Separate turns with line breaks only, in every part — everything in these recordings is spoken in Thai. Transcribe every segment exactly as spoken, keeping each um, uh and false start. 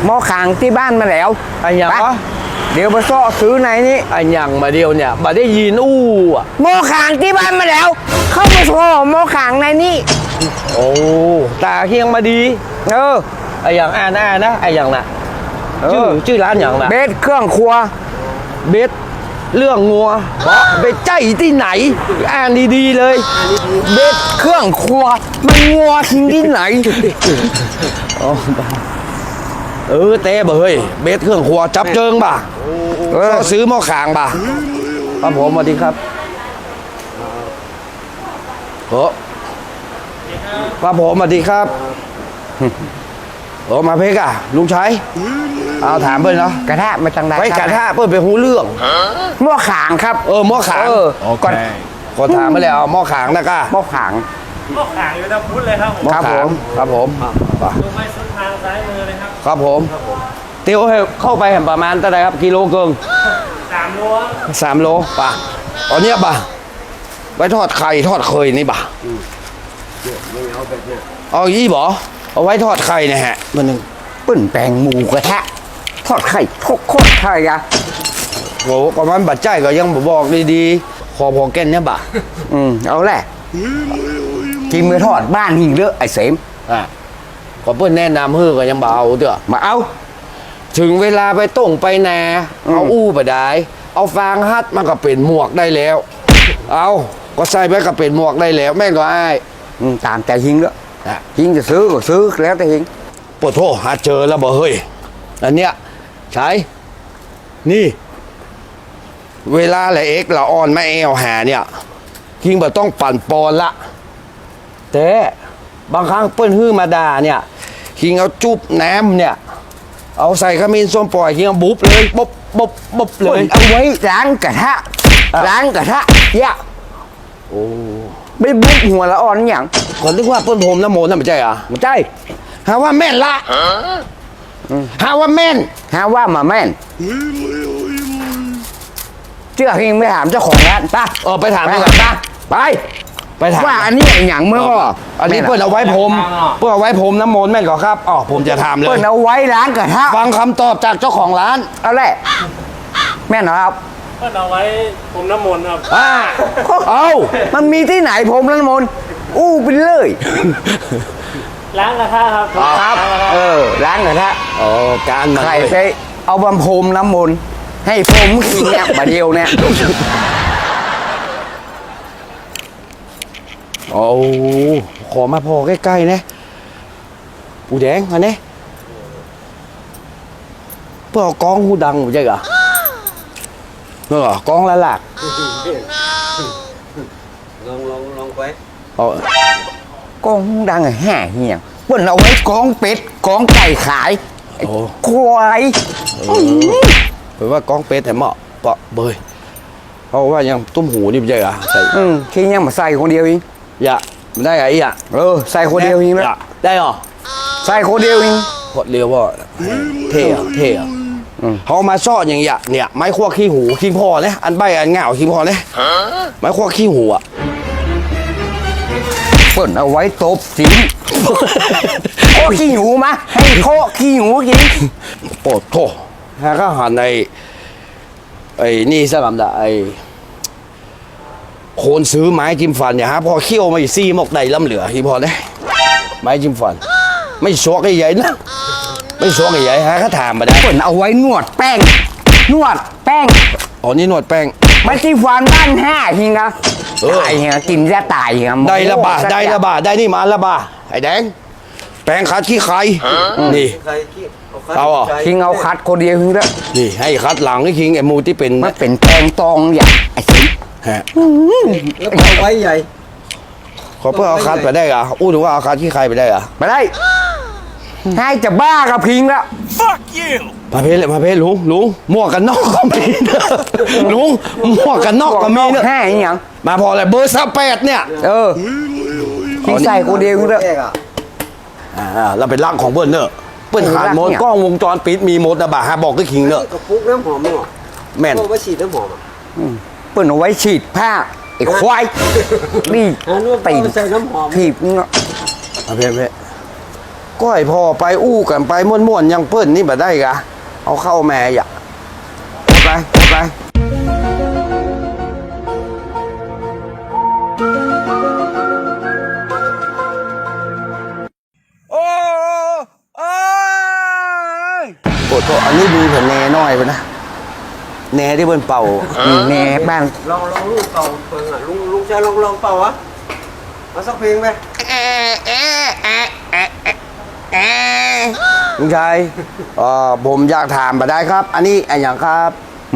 หม้อขางที่บ้านมาแล้ว
ไอ้ยังวะ
เดี๋ยวมาซ่อซื้อไหนนี่
ไอ้ยังมาเดียวเนี่ยมาได้ยินอู้อ่ะ
หม้อขางที่บ้านมาแล้ว เข้ามาซ่อหม้อขางในนี่
โอ้ตาเฮียงมาดี
เออ
ไอ้ยังอ่านอ่านนะไอ้ยังน่ะ
เอ
ชื่อ
อ
ชื่อร้านอย่างน่ะ
เบสเครื่องครัว
เบสเรื่องงัวไปใจที่ไหนอ่านดีๆเลย
เบสเครื่องครัวมันงัวทิ้งที่ไหน
เออเต้บ่เฮ้ยเบสเครื่องครัวจับเจิงบ่ะ
เออ
ก็ซื้อหม้อขางบ่ะครับผมสวัสดีครับโอ้ครับผมสวัสดีครับโอ้มาเพกอะลุงชัยเอาถามเพื่อนเนาะ
กระทะมาจังไร
ไว้กระทะเพื่อนไปหูเรื่อง
หม้อขางครับ
เออหม้อขาง
เออก่อน
ขอถามมาแล้วหม้อขางนะก้า
หม้อขาง
หม้อขางอยู่ทางพุทธเลยครับผม
หม้อ
ครับ
ขา
ผ
ง
ม
ครับผมป่ะ
ดูไม่สุดทางซ้ายมือเลยครับ
ครับผมเตียวให้เข้าไปเห็นประมาณเท่าไหร่ครับกิโลเกิง
สามรั้ว
สามโลป่ะเอาเนี้ยป่ะไว้ทอดไข่ทอดเคยนี่ป่ะเอายี่บ่เอาไว้ทอดไข่เนี่ยฮะมันหนึ่ง
ปื้นแปลงหมูกระทะทอดไข่ทกโคตรไข่อะ
โอ้ประมาณบัดใจก็ยังบ่บอกดีๆขอพอแก่นเนี่ยป่ะ
อืมเอาแหละกินมือทอดบ้านหิงเลือะไอ้เสม
อ่ะก็เพื่อนแนะนำเฮ้อก็ยังเบเอาเถอะ
มาเอา
ถึงเวลาไปต้งไปนา
อืม
เอาอู้ไปได้เอาฟางฮัดมันก็เป็นหมวกได้แล้ว เอาก็ใส่ไปก็เป็นหมวกได้แล้ว แม่งก็อ้าย
อืมตามใจหิงเลือะ
อ่ะ
หิงจะซื้อก็ซื้อแล้วแต่หิง
ปวดโทษหาเจอแล้วบ่เฮ้ยอันเนี้ยใช้นี่ เวลาแหละเอ็กละออนไม่เอวหาเนี่ยคิงบ่ต้องปั่นปอนละแต่บางครั้งเปิ้นฮื้อมาด่าเนี่ยคิงเอาจุบน้ำเนี่ย เอาใส่ขมิ้นส้มปล่อยคิงเอาบุ๊บเลยบ๊บบ๊บบ๊บเล
เปิ
ย
ดเอาไว้ล้างกระทะล้างกระทะยะ
โอ้
ไม่บุกหัวละอ่อนอย่าง
คนนึกว่าเปิ้นผมน้ำโมนนั่นไม่ใช่เหรอ
ไม่ใช่
หาว่าแม่นละหาว่าแม่น
หาว่ามาแม่นเชื่อหิงไม่ถามเจ้าของร้านไป่ะ
เออไปถาม
ไป
ดีก
กั
ว่า
นป่ะไป
ไปถาม
ว่าอันนี้อย่างเมื่อก็
อันนี้เปิ้นเอาไว้ผมเปิ้นเอาไว้ผมน้ำมนต์แม่นก่อครับอ๋อผมจะถามเล
เปิ้
ย
นเอาไว้ล้างกระทะ
ฟังคำตอบจากเจ้าของร้าน
เอาแหละแม่นเหรอครับ
เพื่อนเอาไว้ผมน้ำมนต์ครับ
อ่าเอา
มันมีที่ไหนผมละมนอู้ไปเลย
ล้างกระทะครับ
ครับ
ล้างกระทะ
เออล้างกระทะ
อ๋อการมัน
ใคร
เลย
ไปเอาบำพรมน้ำมนต์ให้ผมกินเนี่ยบาเดียวเนี่ย
โอ้ขอมาพอใกล้ๆนะปูแดงอันนี้เพื่อเอากองหูดังใช่เหรอเออกองละหลัก
ลองลองลองไป
เอา
กองดังอะแห่เหี่ยงเปิ้นเอาไว้กองเป็ดกองไก่ขาย
โอ้
ควาย
แปลว่ากองเป็ดแต่เหมาะเปาะเบยเพราะว่ายังตุ้มหูนี่ไม่ใช่เหรอใส่
อืมคิงยังมาใส่คนเดียวเอง
อย่าไม่ได้ไอ้อ่ะ
เออใส่คนเดียวเอง
อ
นะ
ย่าได้เหรอ
ใส่คนเดียวเอง
กดเรียวว่าเท่อะเท่อะ
อืม
เขามาซ่อนอย่างเงี้ยเนี่ยไม้ขั้วขี้หูคิงพอเนี่ยอันใบอันเหงาคิงพอเนี่ยไม้ขั้วขี้หูอ่ะ
เปิ้นเอาไว้ตบสิงโคขี้หนูมาให้โคขี้หนูกิน
โอ้โถฮะก็หันไอ้ไอ้นี่สักคำละไอ้คนซื้อไม้จิ้มฟันเนี่ยฮะพอเคี่ยวมาอีซี่หมกใดล้ำเหลือคิงพอเนี่ยไม้จิ้มฟัน ไม่ชวกไอ้ใหญ่นะไม่ชวกไอ้ใหญ่ฮะเขาถามมาได้
เปิ้นเอาไว้นวดแป้ง นวดแป้ง
อ๋อนี่นวดแป้ง
ไม่ที่ฟันบ้านห้าหิงอะ
เออ
ตายหิงอะกินจะตายหิงอะ
ได้ละบาได้ละบาได้นี่มาละบาไอ้แดงแป้งคัดขี้ใครนี่
ใครขี้
เอาเหรอ
คิงเอาคัดคนเดียวหิงละ
นี่ให้คัดหลังนี่คิงไอ้หมูที่เป็น
มันเป็นแป้งตองอย่างไอ้สิง
ฮะ
แล้วเอาไว้ใหญ่
ขอเพื่อเอาคัดไปได้เหรออู้ถึงว่าเอาคัดขี้ใครไปได้เหรอ
มาได้ให้จะบ้ากับพิงละ
มาเพลเลยมาเพลลุงลุงหมวกกันนอกก็มีเนอะลุงหมวกกันนอกก็มีเนอะ
ห้าหิงอย่าง
มาพอเลยเบอร์สแปดเนี่ย
เออคิงใส่คนเดียวหิงละ
แรกอ่ะ
อ่าเราเป็นร่างของเบิ้ลเนอะเปิ้ลขาดโมด
เนี่ย
กล้องวงจรปิดมีโมดนะบ่าฮะบอกก็คิงเนอะ
กระปุกน้ำหอมมั้ง
แม่น
ก็ไว้ฉีดน้ำหอมอ่ะ
เปิ้นเอาไว้ฉีดผ้าไอ้ควายนี่
อันนู้น
ตีน
ใส่น้ำหอม
ถีบเงาะ
มาเพลเพลก็ให้พ่อไปอู้กันไปม่วนๆยังเปิ้นนี่บ่ได้กะเอาเข้าแม่อย่าไปไปโอ้โอ้ยโอ้โหอันนี้ดูแผ่นแหน่น้อยไปนะแหน่ที่เปิ้นเป่า
นี่แหน่บ้าน
ลองลองลูกเป่าเปิงอ่ะลุงลุงชายลองลองเป่าวะมาสักเพลงไหม
ลุงชัยเอ่อผมอยากถามมาได้ครับ อันนี้อันอย่างครับ
หมู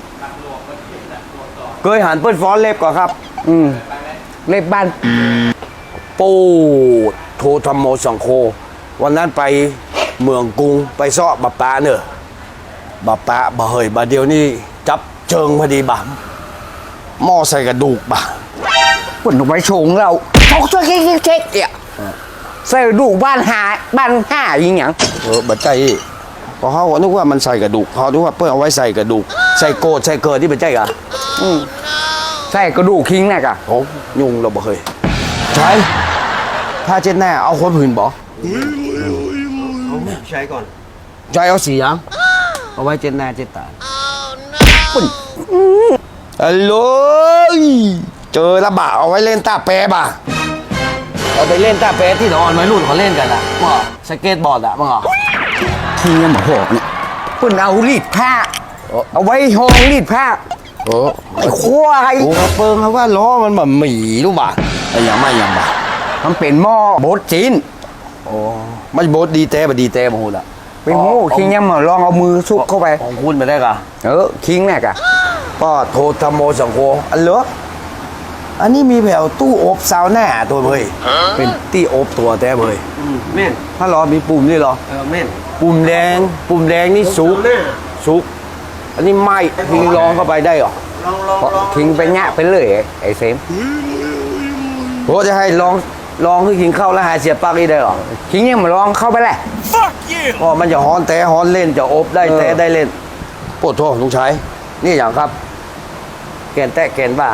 เคยหันเปิ้นฟ้อนเล็บก่อนครับ
อืมเล็บบ้าน
ปูดโทธรรมโมสังโฆวันนั้นไปเมืองกรุงไปซ้อบัปปะเนอะบัปปะบ่เฮยบ่เดียวนี่จับเจิงพอดีบ่หม้อใส่กระดูกบ่
ปุ่นเอาไว้โชงเราชกช่วยเช็คเช็คเนี่ยใส่ดูบ้านหาบ้านห้ายิงหยัง
เออบัดใจอีกเพราะเขาก็นึกว่ามันใส่กระดูกเขานึกว่าเปิ้นเอาไว้ใส่กระดูกใส่โกดใส่เกิดที่บัดใจกะ
อืมใส่กระดูกคิงน่ะกะ
โอ้ยุงเราบ่เคยใช่ผ้าเช็ดหน้าเอาคนผื่นบ่
เอาใช้ก่อน
ใจเอาสีหยังเอาไว้เช็ดหน้าเช็ดตา
ปุ่น
ฮัลโหลเจอระบะเอาไว้เล่นตาแปรบ่ะเอาไปเล่นตาแปรที่นอนไว้รุ่นเขาเล่นกันอ่ะมั้งสเก็ตบอร์ดอ่ะมั้งอ่ะ
คิงยังบ่หอกเนี่ยปุ่นเอารีดผ้า
โอ้
เอาไว้ห้องรีดผ้า
โอ้
ไอ้ควาย
โอ้เปิงเขาว่าล้อมันแบบหมีรู้ป่ะไอ้ยังไม่ยังบ่ะ
มันเป็นหม้อโบดจีน
โอ้ไม่โบดดีแต่บ่ดีแต่บ่ฮู้ละ
เป็นหมูคิงยังมาลองเอามือซุกเข้าไป
ของคุณไปได้กะ
เออคิงน่ะกะ
ก็โทรธรรมโมสังโฆอันเหรออันนี้มีแผ่วตู้อบซาวน่าตัวเบยเป็นตี้อบตัวแต่เบย
อืมแม่น
ถ้ารอมีปุ่มนี่เหรอ
เออแม่น
ปุ่มแดง ปุ่มแดงนี่สุก
หน้า
สุก อันนี้ไหม้ทิ้งร้องเข้าไปได้เหรอ
ลองลอง
เพราะ
ลอง
คิงไปแงะไปเลยไอ้เซม
โหจะให้ลองลองให้กินข้าวแล้วหายเสียบปลั๊กนี่ได้เหรอ
คิงยังมาลองเข้าไปแหละ
อ๋อมันจะฮ้อนแต่ฮ้อนเล่นจะอบได้
เออ
แต่ได้เล่นปวดท้องลุงชัยนี่อย่างครับ แกนแตะแกนบ้า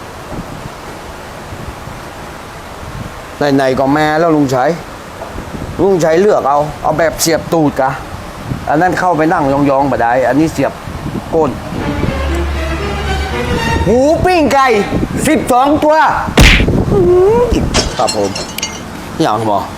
ไหนๆก็แม่แล้วลุงชัยลุงชัยเลือกเอา เอาแบบเสียบตูดกะ อันนั้นเข้าไปนั่งยองๆบ่ได้ อันนี้เสียบก้น
หูปิ้งไก่สิบสองตัว
ครับผมอย่างหมอ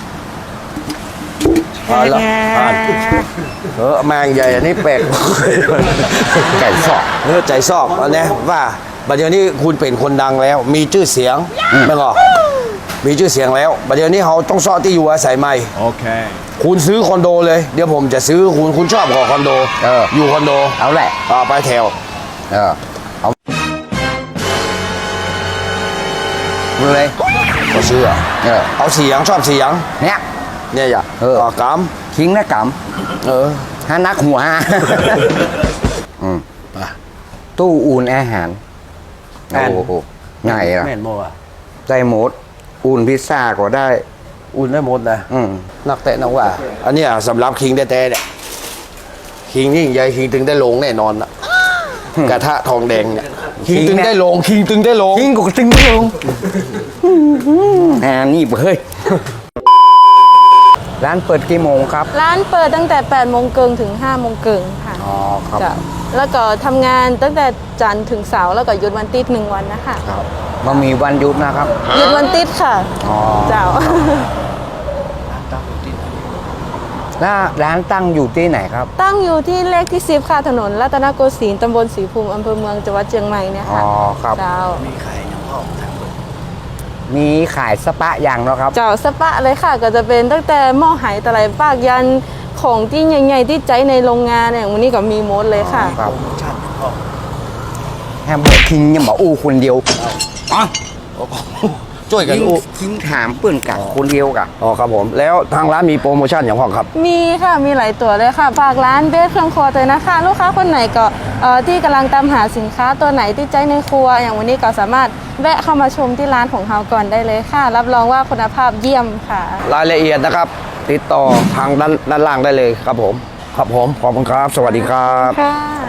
เอาละอ่านเออแมงใหญ่อันนี้แปลก
ไก่สอก
เออใจซอกอันนี้ว่าบัดเดี๋ยวนี้คุณเป็นคนดังแล้ว มีชื่อเสียงไม่หรอมีชื่อเสียงแล้วบัดเดี๋ยวนี้เขาต้องซ่อที่อยู่อาศัยใหม่
โอเค
คุณซื้อคอนโดเลย เดี๋ยวผมจะซื้อคุณคุณชอบของคอนโด
เออ
อยู่คอนโด
เอาแหละ
อ่าไปแถว
เออเอาเลย
ก็ซื้ออ่ะ
เออ
เอาเสียงชอบเสียง
เนี่ย
เนี่ยอย่า
เออ
ก
คิงนะก
ำเออ
ำฮานักหัว อืม
ไป
ตู้อุ่นอาหาร
แม่น
โอ้โหง่ายอะ
แม่นโมอ่ะ
ได้หมด อุ่นพิซซ่าก็ได้
อุ่นได้หมดนะ
อืม
นักเตะนักว่า อันเนี้ยสำหรับคิงแต่แต่เนี่ยคิงยิ่งใหญ่คิงถึงได้ลงแน่นอนนะกระทะทองแดงเนี่ยคิงถึงได้ลงคิงถึงได้ลง
คิงก็ตึงลงอ่านี่เฮ้ย ร้านเปิดกี่โมงครับ
ร้านเปิดตั้งแต่แปดโมงเกิงถึงห้าโมงเกิงค่ะ
อ๋อครับ
จ้ะแล้วก็ทำงานตั้งแต่จันทร์ถึงเสาร์แล้วก็หยุดวันติดหนึ่งวันนะคะ
ครับมันมีวันหยุดนะครับ
หยุดวันติดค่ะ
อ๋อ
เจ้า
แล้วร้านตั้งอยู่ที่ไหนครับ
ตั้งอยู่ที่เลขที่สิบค่ะถนนรัตนโกสินทร์ตำบลศรีภูมิอำเภอเมืองจังหวัดเชียงใหม่เนี่ย
อ๋
ค่ะ
อครับ
เจ้า
มีขายสปะอย่างเนาะครับ
เจ้าสปะเลยค่ะ ก็จะเป็นตั้งแต่หม้อไหตะไลปากยันของที่ใหญ่ๆที่ใจในโรงงานเนี่ยวันนี้ก็มีหมดเลยค่ะ
ครับแฮมเบอร์คิงยังบอกอู้คนเดียวอ๋อ
ช่วยกัน
คิง
อู้
คิงถามเปื่อนกับคนเดียวกับ
อ๋อครับผม แล้วทางร้านมีโปรโมชั่นอย่างพ่อครับ
มีค่ะ มีหลายตัวเลยค่ะ ฝากร้านเบสเครื่องครัวเลยนะคะ ลูกค้าคนไหนก็เอ่อที่กำลังตามหาสินค้าตัวไหนที่ใจในครัว อย่างวันนี้ก็สามารถแวะเข้ามาชมที่ร้านของเราก่อนได้เลยค่ะ รับรองว่าคุณภาพเยี่ยมค่ะ
รายละเอียดนะครับ ติดต่อทางด้านด้านล่างได้เลยครับผม ครับผม ขอบคุณครับ สวัสดีครับ
ค่ะ